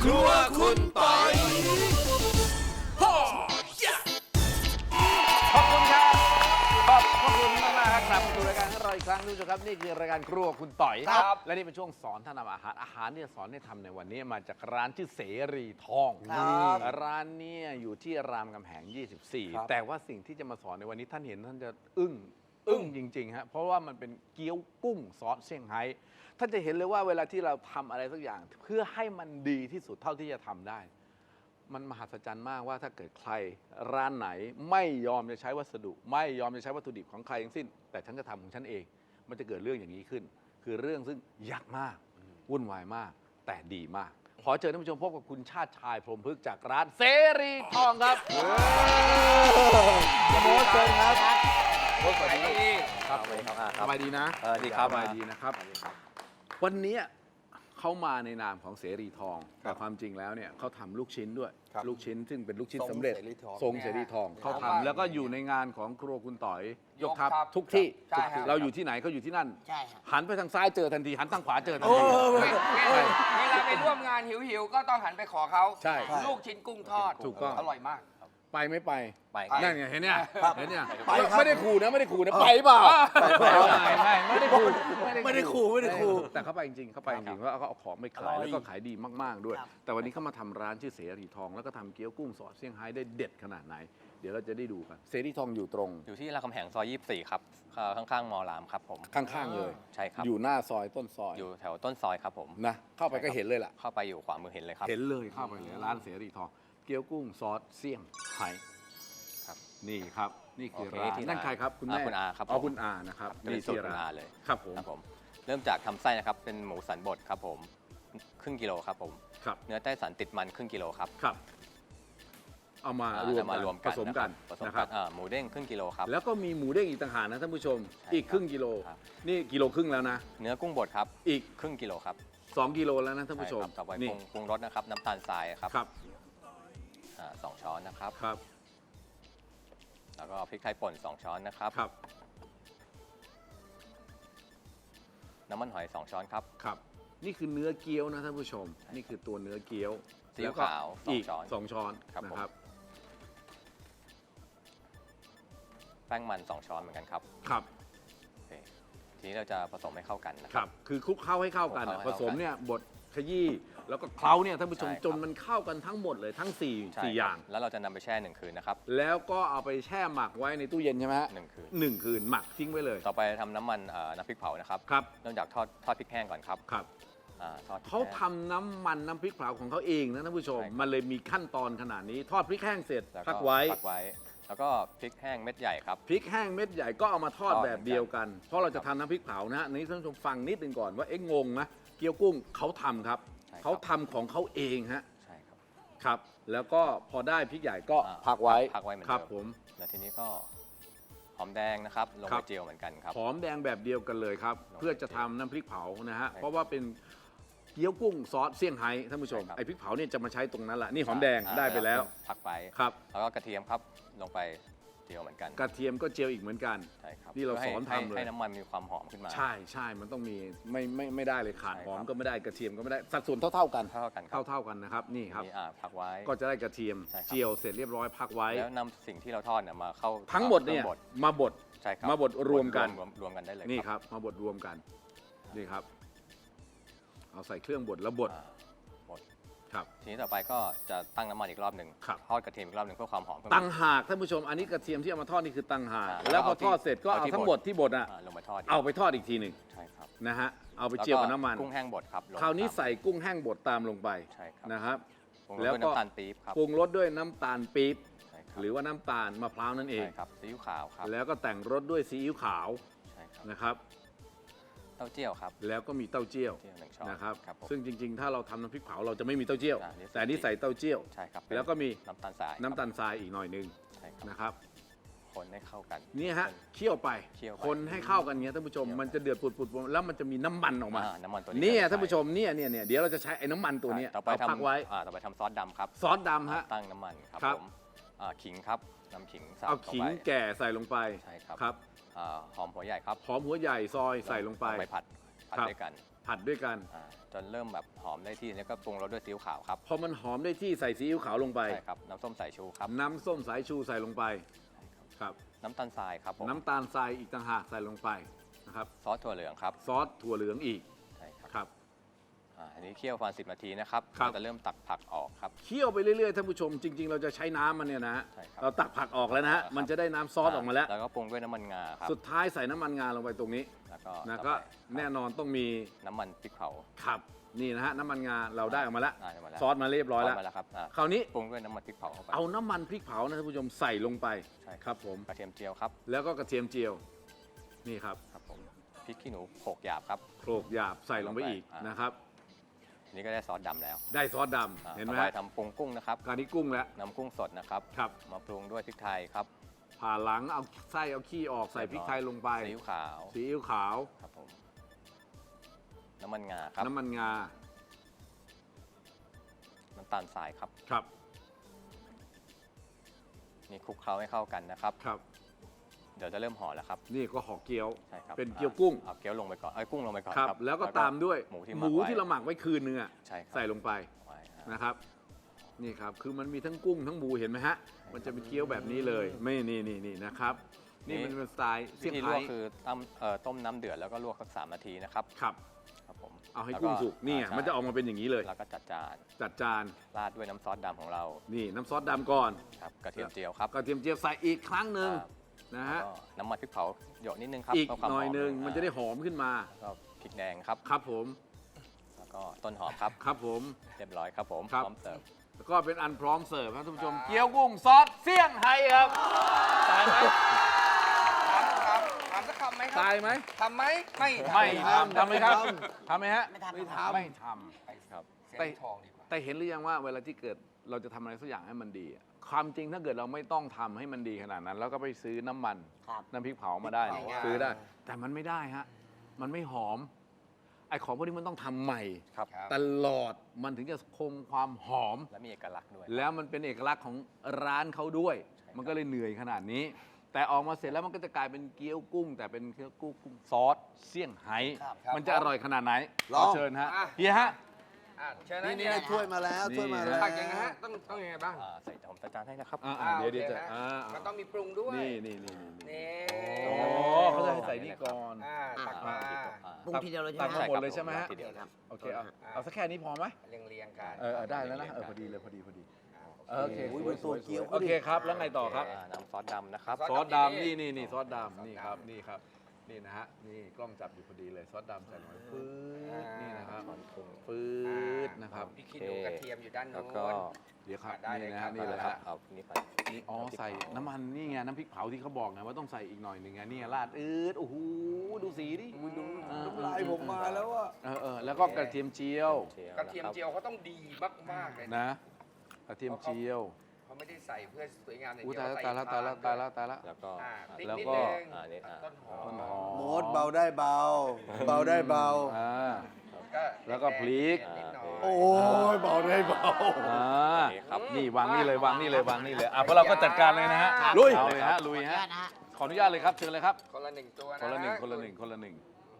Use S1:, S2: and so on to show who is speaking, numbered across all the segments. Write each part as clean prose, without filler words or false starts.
S1: ครัวคุณปอยขอบคุณครับขอบคุณมากๆครับกลับมาดูรายการของเราอีกครั้งนึงครับนี่คือรายการครัวคุณต่อยครับและนี่เป็นช่วงสอนท่านทำอาหารที่จะสอนให้ทำในวันนี้มาจากร้านชื่อเสรีทองร้านนี้อยู่ที่รามคำแหง 24 แต่ว่าสิ่งที่จะมาสอนในวันนี้ท่านเห็นท่านจะอึ้งจริงๆฮะเพราะว่ามันเป็นเกี๊ยวกุ้งซอสเซี่ยงไฮ้ท่านจะเห็นเลยว่าเวลาที่เราทำอะไรสักอย่างเพื่อให้มันดีที่สุดเท่าที่จะทำได้มันมหัศจรรย์มากว่าถ้าเกิดใครร้านไหนไม่ยอมจะใช้วัสดุ ไม่ยอมจะใช้วัตถุดิบของใครทั้งสิ้นแต่ฉันจะทำของฉันเองมันจะเกิดเรื่องอย่างนี้ขึ้น คือเรื่องซึ่งยากมากวุ่นวายมากแต่ดีมากขอเชิญท่านผู้ชมพบกับคุณชาติชายพรหมพฤกษ์จากร้านเสรีทองครับโบ๊ทเชิญครับโบ๊ทสวัสดีครับสบายดีนะดีครับสบายดีนะครับวันนี้เขามาในนามของเสรีทองแต่ความจริงแล้วเนี่ยเขาทำลูกชิ้นด้วยลูกชิ้นซึ่งเป็นลูกชิ้นสำเร็จทรงเสรีทองเขาทำแล้วก็อยู่ในงานของครัวคุณต่อยยกทัพทุกที่เราอยู่ที่ไหนเขาอยู่ที่นั่นหันไปทางซ้ายเจอทันทีหันทางขวาเจอทันที
S2: เวลาไปร่วมงานหิวๆก็ต้องหันไปขอเขาลูกชิ้นกุ้งทอด
S1: ถูกต้อง
S2: อร่อยมาก
S1: ไปไม่ไปนั่นไงเห็นเนี่ย
S3: ไม่ได้ขู่นะไปเปล่า
S1: ไม่ได้ขู่แต่เขาไปจริงเขาไปจริงว่าเขาเอาของไปขายแล้วก็ขายดีมากๆด้วยแต่วันนี้เขามาทำร้านชื่อเสรีทองแล้วก็ทำเกี๊ยวกุ้งซอสเซี่ยงไฮ้ได้เด็ดขนาดไหนเดี๋ยวเราจะได้ดูกันเสรีทองอยู่ตรง
S4: อยู่ที่รามคำแหงซอย 24 ครับข้างๆมอรามครับผม
S1: ข้างๆเลย
S4: ใช่ครับ
S1: อยู่หน้าซอยต้นซอย
S4: อยู่แถวต้นซอยครับผม
S1: นะเข้าไปก็เห็นเลยล่ะ
S4: เข้าไปอยู่ขวามือเห็นเลยครับ
S1: เห็นเลยเข้าไปเลยร้านเสรีทองเกี๊ยวกุ้งซอสเซี่ยงไฮ้นี่ครับนี่คือร้านนั่นใครครับคุณแม่
S4: คุณอาครับ
S1: คุณอานะครับ
S4: นี่ที่ร้านเลย
S1: ครับผม
S4: เริ่มจากทำไส้นะครับเป็นหมูสันบดครับผมครึ่งกิโลครับผมเนื้อไต้สันติดมันครึ่งกิโลครับ
S1: เอามารวมกันผสมกันนะครับ
S4: หมูเด้งครึ่งกิโลครับ
S1: แล้วก็มีหมูเด้งอีกต่างหากนะท่านผู้ชมอีกครึ่งกิโลนี่กิโลครึ่งแล้วนะ
S4: เนื้อกุ้งบดครับ
S1: อีก
S4: ครึ่งกิโลครับ
S1: 2 กิโลแล้วนะท่านผู้ชม
S4: ต่อไปปรุงรสนะครับน้ำตาลทรายครับ2 ช้อนนะครับแล้วก็พริกไทยป่น2 ช้อนนะครับน้ำมันหอย2 ช้อนครับ
S1: นี่คือเนื้อเกี๊ยวนะท่านผู้ชมนี่คือตัวเนื้อเกี๊ยว
S4: ซีอิ๊วขาว
S1: 2 ช้อนนะครับ
S4: แป้งมัน2 ช้อนเหมือนกันครับทีนี้เราจะผสมให้เข้ากัน
S1: นะครับคือคลุกเคล้าให้เข้ากันผสมเนี่ยบดขยี้แล้วก็เคล้าเนี่ยท่านผู้ชมจนมันเข้ากันทั้งหมดเลยทั้ง4อย่าง
S4: แล้วเราจะนำไปแช่1 คืนนะครับ
S1: แล้วก็เอาไปแช่หมักไว้ในตู้เย็นใช่ไหมฮะ1 คืนหมักทิ้งไว้เลย
S4: ต่อไปทำน้ำมันน้ำพริกเผานะครับเริ่มจากทอดพริกแห้งก่อนครับ
S1: เขาทำน้ำมันน้ำพริกเผาของเขาเองนะท่านผู้ชมมันเลยมีขั้นตอนขนาดนี้ทอดพริกแห้งเสร็จพักไว้
S4: แล้วก็พริกแห้งเม็ดใหญ่ครับ
S1: พริกแห้งเม็ดใหญ่ก็เอามาทอดแบบเดียวกันเพราะเราจะทำน้ำพริกเผานะฮะนี้ท่านผู้ชมฟังนิดนึงก่อนว่างงนะเกี๊ยวกุ้งเขาทำครับเขาทำของเขาเองฮะ
S4: ใช่
S1: ครับแล้วก็พอได้พริกใหญ่ก็พักไว้
S4: เหมือนเดิม
S1: ครับผม
S4: แล้วทีนี้ก็หอมแดงนะครับลงไปเจียวเหมือนกันครับ
S1: หอมแดงแบบเดียวกันเลยครับเพื่อจะทำน้ำพริกเผานะฮะเพราะว่าเป็นเกี๊ยวกุ้งซอสเซี่ยงไฮ้ท่านผู้ชมไอ้พริกเผาเนี่ยจะมาใช้ตรงนั้นแหละนี่หอมแดงได้ไปแล้ว
S4: พักไป
S1: ครับ
S4: แล้วก็กระเทียมครับลงไปเจียวเหมือนกัน
S1: กระเทียมก็เจียวอีกเหมือนกัน
S4: ใช่ครับ
S1: นี่เราสอนทำเลย
S4: ให้น้ำมันมีความหอมขึ้นมา
S1: ใช่มันต้องมีไม่ได้เลยขาดหอมก็ไม่ได้กระเทียมก็ไม่ได้สัดส่วนเท่ากันนะครับนี่ครับ
S4: พักไว้
S1: ก็จะได้กระเทียมเจียวเสร็จเรียบร้อยพักไว้
S4: แล้วนำสิ่งที่เราทอดเนี่ยมาเข้า
S1: ทั้งหมดเนี่ยมาบด
S4: ใช่ครับ
S1: มาบดรวมกัน
S4: ได้เลย
S1: นี่ครับมาบดรวมกันนี่ครับเอาใส่เครื่องบดแล้วบด
S4: ทีนี้ต่อไปก็จะตั้งน้ำมันอีกรอบหนึ่งทอดกระเทียมอีกรอบหนึ่งเพื่อความหอม
S1: ตั้งหากท่านผู้ชมอันนี้กระเทียมที่เอามาทอดนี่คือตั้งหากแล้วพอทอดเสร็จก็เอาทั้งหมดที่บด
S4: ลงไปทอด
S1: เอาไปทอดอีกทีหนึ่ง
S4: ใช่ครับ
S1: นะฮะเอาไปเจียวกับน้ำมัน
S4: กุ้งแห้งบดครับ
S1: คราวนี้ใส่กุ้งแห้งบดตามลงไป
S4: ใช่ครับ
S1: นะครับ
S4: แล้วก็น้ำตาลปี๊บครับ
S1: ปรุงรสด้วยน้ำตาลปี๊บหรือว่าน้ำตาลมะพร้าวนั่นเอง
S4: ใช่ครับซีอิ๊วขาวครับ
S1: แล้วก็แต่งรสด้วยซีอิ๊วขาวนะครับ
S4: เต้าเจี้ยวครับ
S1: แล้วก็มีเต้าเจี้ยวนะครับซึ่งจริงๆถ้าเราทำน้ำพริกเผาเราจะไม่มีเต้าเจี้ยวแต่อันนี้ใส่เต้าเจี้ยว
S4: ใช่ครับ
S1: แล้วก็มี
S4: น้ำตาลทร
S1: ายอีกหน่อยนึงนะครับ
S4: คนให้เข้ากัน
S1: นี่ฮะเคี่ยวไปคนให้เข้ากันเงี้ยท่านผู้ชมมันจะเดือดปุดๆแล้วมันจะมีน้ำมันออกมา
S4: น้ำมันตัวนี้
S1: นี่ท่านผู้ชมเนี่ยเดี๋ยวเราจะใช้ไอ้น้ำมันตัวนี้
S4: ต่อไปพักไว้ต่อไปทำซอสดำครับ
S1: ซอสดำฮะ
S4: ตั้งน้ำมันครับผมขิงครับน้ำขิง
S1: เอาขิงแก่ใส่ลงไป
S4: ใช่ครับหอมหัวใหญ่ครับ
S1: หอมหัวใหญ่ซอยใส่ลงไป
S4: ไปผัดด้วยกัน
S1: ผัดด้วยกัน
S4: จนเริ่มแบบหอมได้ที่แล้วก็ปรุงรสด้วยซีอิ๊วขาวครับ
S1: พอมันหอมได้ที่ใส่ซีอิ๊วขาวลงไป
S4: ใช่ครับน้ำส้มสายชูครับ
S1: น้ำส้มสายชูใส่ลงไปครับ
S4: น้ำตาลทรายครับผม
S1: น้ำตาลทรายอีกต่างหากใส่ลงไปนะครับ
S4: ซอสถั่วเหลืองครับ
S1: ซอสถั่วเหลืองอีก
S4: ใช่ครับ
S1: ครับ
S4: อันนี้เคี่ยวประมาณ10 นาทีนะครับ
S1: ครับ
S4: เราจะเริ่มตักผักออกครับ
S1: เคี่ยวไปเรื่อยๆท่านผู้ชมจริง ๆ เราจะใช้น้ำมันเนี่ยนะฮะ
S4: ใช่ครับ
S1: เราตักผักออกแล้วนะฮะ
S4: ครับ
S1: มันจะได้น้ำซอสออกมาแล้ว
S4: แล้วก็ปรุงด้วยน้ำมันงาครับ
S1: สุดท้ายใส่น้ำมันงาลงไปตรงนี้
S4: แล้วก็
S1: นะ
S4: ต่อ
S1: ก็
S4: ไป
S1: แน่นอนต้องมี
S4: น้ำมันพริกเผา
S1: ขับนี่นะฮะน้ำมันงาเราได้ออกมาแล้ว
S4: ได้มาแล้ว
S1: ซอสมาเรียบร้อยแล้ว
S4: มาแล้วครับ
S1: คราวนี้
S4: ปรุงด้วยน้ำมันพริกเผาเข้าไป
S1: เอาน้ำมันพริกเผานะท่านผู้ชมใส่ลงไป
S4: ใช่
S1: ครับผม
S4: กระเทียมเจียวครับ
S1: แล้วก็กระเทียมเจียวนี่ครับ
S4: ครับผมพริกขี้หนูโขลกหยาบครับ
S1: โขลกหยาบใส่ลงไปอีก
S4: อ่าน
S1: นะครับ
S4: อันนี้ก็ได้ซอสดำแล้ว
S1: ได้ซอสดำเห็นไหม
S4: ต่อไป
S1: ฮะ
S4: ทำปรุงกุ้งนะครับ
S1: การนี้กุ้งแล้ว
S4: น้ำกุ้งสดนะครับ
S1: ครับ
S4: มาปรุงด้วยพริกไทยครับ
S1: ผ่าหลังเอาไส้เอาขี้ออกใส่พริกไทยลงไป
S4: ซีอิ๊วขาว
S1: ซีอิ๊วขาว
S4: ครับผมน้ำมันงาครับ
S1: น้ำมันงา
S4: น้ำตาลทรายครับ
S1: ครับ
S4: นี่คลุกเคล้าให้เข้ากันนะครับ
S1: ครับ
S4: เดี๋ยวจะเริ่มห่อแล้วครับ
S1: นี่ก็ห่อเกี๊ยว
S4: ใช่ครับ
S1: เป็นเกี๊ยวกุ้ง
S4: เอาเกี๊ยวลงไปก่อนกุ้งลงไปก่อน
S1: ครับ
S4: ครับ
S1: แล้วก็ตามด้วย
S4: หมูที่
S1: หมูที่เราหมักไว้คืนนึงอ่ะ
S4: ใช่ครับ
S1: ใส่ลงไป
S4: ไว้
S1: นะครับ นี่ครับคือมันมีทั้งกุ้งทั้งหมูเห็นไหมฮะ มันจะเป็นเกี๊ยวแบบนี้เลยไม่นี่นะครับ นี่มันเป็นสไตล์
S4: วิ
S1: เซี่ยง
S4: ธีล
S1: ไฮ้
S4: วกคือต้มน้ำเดือดแล้วก็ลวกสัก3 นาทีนะครับ
S1: ครับ
S4: ครับผม
S1: เอาให้
S4: แล้ว
S1: กุ้งสุกนี่
S4: ใช่
S1: มันจะออกมาเป็นอย่างนี้เลย
S4: แล้วก็จัดจาน
S1: จัดจาน
S4: ราดด้วยน้ำซอสดำของเรา
S1: นี่น้ำซอสดำก่อน
S4: ครับกระเทียมเจียวครับ
S1: กระเทียมเจียวใส่อีกครั้งหนึ่ง
S4: ครับ
S1: นะ
S4: แล้ว
S1: ฮะ
S4: ก็น้ำมันพริกเผาหยดนิดนึงครับ
S1: อีก
S4: เพื่ความ
S1: หน่อยหนึ่ง
S4: อ
S1: มันจะได้หอมขึ้นมา
S4: แล้วก็พริกแดงครับ
S1: ครับผม
S4: แล้วก็ต้นหอมครับ
S1: ครับผม
S4: เรียบร้อยครับผม
S1: ครับ
S4: พร้อมเสิร์ฟ
S1: แล้วก็เป็นอันพร้อมเสิร์ฟนะท่านผู้ชม เกี๊ยวกุ้งซอสเซี่ยงไฮ้ครับตายไหม
S2: ถามสักคำไหมครั
S1: ตายไหม
S2: ทำไหมไม่
S1: ไม่ทำทำไหมครับทำไหมฮะ
S5: ไม่ทำ
S1: ไม่
S5: ครับ
S1: ทำไม่ท
S4: ครับ
S2: เสียงทองดีกว่า
S1: ำแต่เห็นหรือยังว่าเวลาที่เกิดเราจะทำอะไรสักอย่างให้มันดีอะความจริงถ้าเกิดเราไม่ต้องทำให้มันดีขนาดนั้น แล้วก็ไปซื้อน้ำมัน
S5: ครับ
S1: น้ำพริกเผามาได้
S2: พริกเผา
S1: ซื้อได้ แต่มันไม่ได้ฮะมันไม่หอมไอ้ของพวกนี้มันต้องทำใหม่
S4: ครับ
S2: ครับ
S1: ตลอดมันถึงจะคงความหอม
S4: และมีเอกลักษณ์ด้วย
S1: แล้วมันเป็นเอกลักษณ์ของร้านเขาด้วย มันก็เลยเหนื่อยขนาดนี้ แต่ออกมาเสร็จแล้วมันก็จะกลายเป็นเกี๊ยวกุ้ง แต่เป็นเกี๊ยวกุ้งซอสเซี่ยงไฮ้
S5: ครับ
S1: มันจะอร่อยขนาดไหน
S5: ลอง
S1: ขเชิญฮะ
S2: อ่ะ
S1: เฮียฮะ
S2: เชิญนะ
S5: นี่
S2: เฮีย
S5: ถ้วยมาแล้วถ้วยมาแล้ว
S2: ผักยังไงฮะต้องยังไงบ้าง
S4: ใส่ผมจัดจานให้นะครับ
S1: เดี๋ยวจะ
S2: โอเคฮ
S1: อ่า
S2: มันต้องมีปรุงด้วย
S1: นี่
S2: นี่
S1: โอ้เขาจะให้ใส่นี่ก่อน
S2: ตักมา
S5: ปรุงทีเดียวเลยใช่
S1: ตัก
S5: ไหม
S1: มาหมดเลยใช่ไหมฮะ
S4: ทีเดียวครับ
S1: โอเคเอาสักแค่นี้พอไหม
S2: เรียงๆกัน
S1: ได้แล้วนะพอดีเลยพอดีโอเค
S5: โอ้ย
S1: สวย
S5: ดูตัวเกี๊ยว
S1: โอเคครับแล้วไงต่อครับ
S4: น้ำซอสดำนะครับ
S1: ซอสดำนี่ซอสดำนี่ครับนี่ครับนี่นะฮะนี่กล้องจับอยู่พอดีเลยซอสดำใส่ลงไปปื๊ดนี่นะครับปื๊ดนะครับ
S2: พี่คิดดูกระเทียมอยู่ด้าน
S4: แล้
S2: โน้
S4: วก็
S2: น
S1: เดี๋ยวครับ
S2: ได้เลย
S1: นี่นะ
S2: ครั
S1: ฮะ
S2: บ
S1: นี่เลยฮะ
S4: เอานี่ไป
S1: นี่อ๋อใส่น้ำมันนี่ไงน้ำพริกเผาที่เขาบอกไงว่าต้องใส่อีกหน่อยหนึ่งไงนี่ราดโอ้โหดูสีดิ
S5: น้ำลายผมมาแล้วอ่ะ
S1: แล้วก็กระเทียมเจียว
S2: กระเทียมเจียวเขาต้องดีมากๆเลยนะ
S1: นะกระเทียมเจียว
S2: เขาไม่ได้ใส่เพื่อสวยงามอย่าง
S1: อู้
S2: เดียว
S1: ตายแล้วตายแล้วตายแล้วตายแล้ว
S4: แล้วก็
S2: พริก
S1: แล้ว
S2: นิด
S1: ก็
S2: นึง
S4: นี่
S2: ต้นหอ
S1: ต้น
S2: ม
S1: หอม
S5: โมดเบาได้เบา เบาได้เบา
S1: แล้วก็พริก
S2: นิดหน่อย
S5: โอ้ยเบาได้เบา
S4: ครับ
S1: นี่วางนี่เลยวางนี่เลยวางนี่เลยเพราะเราก็จัดการเลยนะฮะ
S5: ลุย
S1: เอาเลยฮะลุยฮะขออนุญาตเลยครับเชิญเลยครับ
S2: คนละหนึ่งตัวนะ
S1: คนละหนึ่ง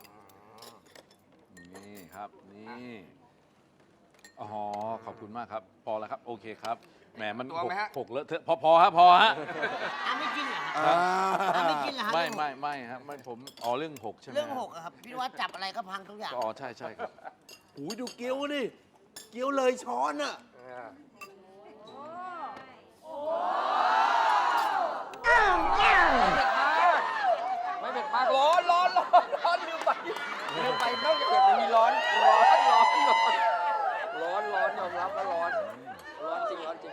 S1: นี่ครับนี่อ๋อขอบคุณมากครับพอแล้วครับโอเคครับแหมมันหกเลอะเทอะพอฮะ
S5: ไม่กินเหรอ
S1: ครับ
S5: ไม่กินเหรอฮะ
S1: ไม่ครับไม่ผมเรื่องหกใช่ไหม
S5: เรื่องหกอะครับ พี่ว่าจับอะไรก็พังทุกอย่าง
S1: อ๋อใช่ครับ
S5: โอ้ยดูเกี๊ยวดิเกี๊ยวเลยช้อนอ่ะ
S2: ไม่เผ็ดมากร้อนลืมไปนอกจากเผ็ดมันมีร้อนยอมรับว่าร้อนจริงร้อนจริง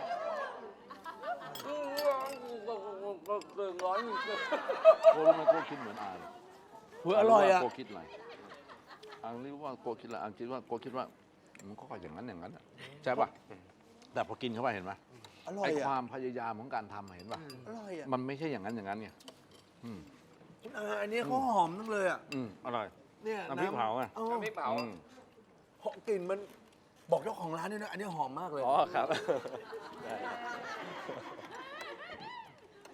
S1: โกรู้ไหมโกคิดเหมือนอาเลย
S5: เฮ้ยอร่อยอะ
S1: โกคิดอะไรอังรู้ว่าโกคิดอะไรอังคิดว่าโกคิดว่ามันก็อย่างนั้นใช่ป่ะแต่พอกินเข้าไปเห็นไหม
S5: อร่อย
S1: ไอ้ค
S5: อ่ะ
S1: วามพยายามของการทำเห็นป่ะ
S5: อร่อยอ่ะ
S1: มันไม่ใช่อย่างนั้นไง
S5: คุณอาอันนี้เขาหอมทั้งเลยอ่ะ
S1: อร่อย
S5: เนี่ย
S1: น้ำพริกเผาอ่ะ
S5: เออ
S2: น้ำพริกเผา
S5: กลิ่นมันบอกเจ้าของร้านด้วยนะอันนี้หอมมากเลย
S4: อ๋อครับ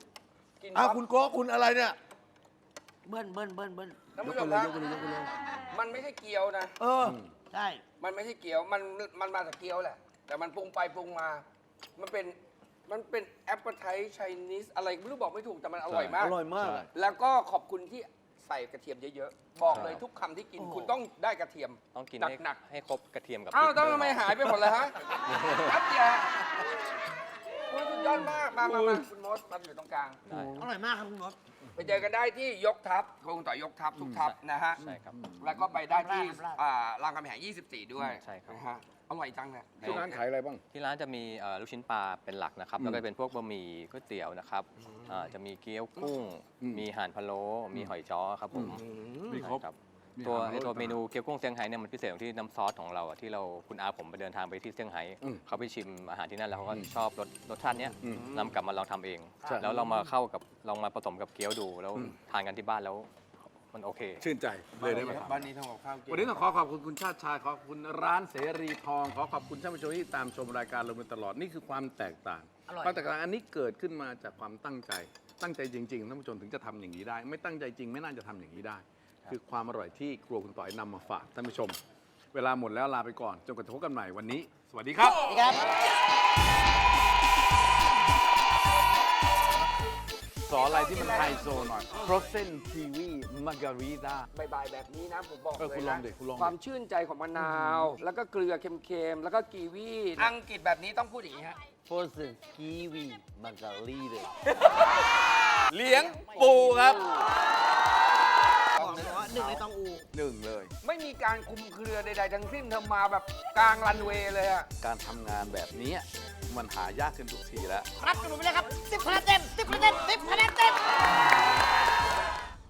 S2: กิน
S5: อ่ะคุณโก้คุณอะไรเนี่ย
S6: เบิ้ล
S2: ท่าน
S5: ย
S2: ผู้
S5: ก
S2: ช
S5: ไป
S2: ม
S5: เลย
S2: ครับ
S5: ยกไปเลยยกไปเลย
S2: มันไม่ใช่เกี๊ยวนะ
S5: เออ
S6: ใช่
S2: มันไม่ใช่เกี๊ยว มันมาจากเกี๊ยวแหละ แต่มันปรุงไปปรุงมา มันเป็นแอปเปิลไทไชนีสอะไรไม่รู้บอกไม่ถูกแต่มันอร่อยมาก
S5: อร่อยมาก
S2: แล้วก็ขอบคุณที่ใส่กระเทียมเยอะๆ บอกเลยทุกคำที่กินคุณต้องได้กระเทียม
S4: ต้องกิน
S2: หนัก
S4: ให้ครบกระเทียมกับ
S2: อ้าว
S4: พริก
S2: ต้อง
S4: ด้วย
S2: ทำไมหายไปหมดเลยฮะแป๊บเดียวโอ้ยสุดยอดมาก มาคุณมดมาอยู่ตรงกลาง
S4: ได้
S6: อร่อยมากครับคุณมด
S2: ไปเจอกันได้ที่ยกทัพคงต่อยกทัพทุกทัพนะฮะ
S4: ใช่ครับ
S2: แล้วก็ไปได้ที่
S6: ราช
S2: รามคำแหง 24 ด้วย
S4: ใช่ครับ
S2: นะฮะอร่อยจังเนี่ย
S3: ที่ร้านขายอะไรบ้าง
S4: ที่ร้านจะมีลูกชิ้นปลาเป็นหลักนะครับ แล้วก็เป็นพวกบะหมี่ก๋วยเตี๋ยวนะครับจะมีเกี๊ยวกุ้ง มีห่านพะโล้มีหอยจ้อครับผม
S3: มีครบ
S4: ใช่ครับ
S3: มี
S4: ตัว
S3: ห่านพะโล้
S4: ตัวเมนูเกี๊ยวกุ้งเซี่ยงไฮ้เนี่ยมันพิเศษตรงที่น้ำซอสของเราอะที่เราคุณอาผมไปเดินทางไปที่เซี่ยงไฮ้
S3: อืม
S4: เขาไปชิมอาหารที่นั่นแล้วเขาก็ชอบรสชาติเนี้ย
S3: อืม
S4: นำกลับมาลองทำเอง
S3: ใช่
S4: แล้วเรามาเข้ากับลองมาผสมกับเกี๊ยวดู แล้วทานกันที่บ้านแล้วมันโอเค
S3: ชื่นใจเลยได้ไหมครับ
S2: บ้านนี้ทำกับข้าวกิน
S1: วันนี้ต้องขอขอบคุณคุณชาติชายขอบคุณร้านเสรีทอง ขอขอบคุณท่านผู้ชมที่ตามชมรายการเรามาตลอดนี่คือความแตกต่าง
S6: อร่อย
S1: ความแตกต่างอันนี้เกิดขึ้นมาจากความตั้งใจจริงๆท่านผู้ชมถึงจะทำอย่างนี้ได้ ไม่ตั้งใจจริงไม่น่าจะทำอย่างนี้ได้ คือความอร่อยที่ครัวคุณต่อยนำมาฝากท่านผู้ชม เวลาหมดแล้วลาไปก่อนจนกว่าจะพบกันใหม่วันนี้ สวัสดีครับ
S6: สวัสดีครับ
S1: สอนอะไรที่มันไฮโซหน่อย frozen kiwi margarita
S2: บ่ายๆแบบนี้นะผมบอก
S1: เออ
S2: เลย
S1: คุณลอ
S2: นะ
S1: งดิคุณลองดิ
S2: ความชื่นใจของมะนาว แล้วก็เกลือเค็มๆ แล้วก็กีวีอังกฤษแบบนี้ต้องพูดอย่างนี้ฮะ
S6: frozen kiwi margarita
S1: เลี้ยงปูครับ
S6: บอกเลยว่าหนึ่งในตองอู
S1: หนึ่งเลย
S2: ไม่มีการคุมเครือใดๆทั้งสิ้นเธอมาแบบกลางรันเวย์เลยอะ
S1: การทำงานแบบนี้มันหายากขึ้นทุกทีแล้ว
S6: รับกันหนูไปเลยครับ10 คะแนนเต็ม10 คะแนนเต็ม10 คะแนนเต็ม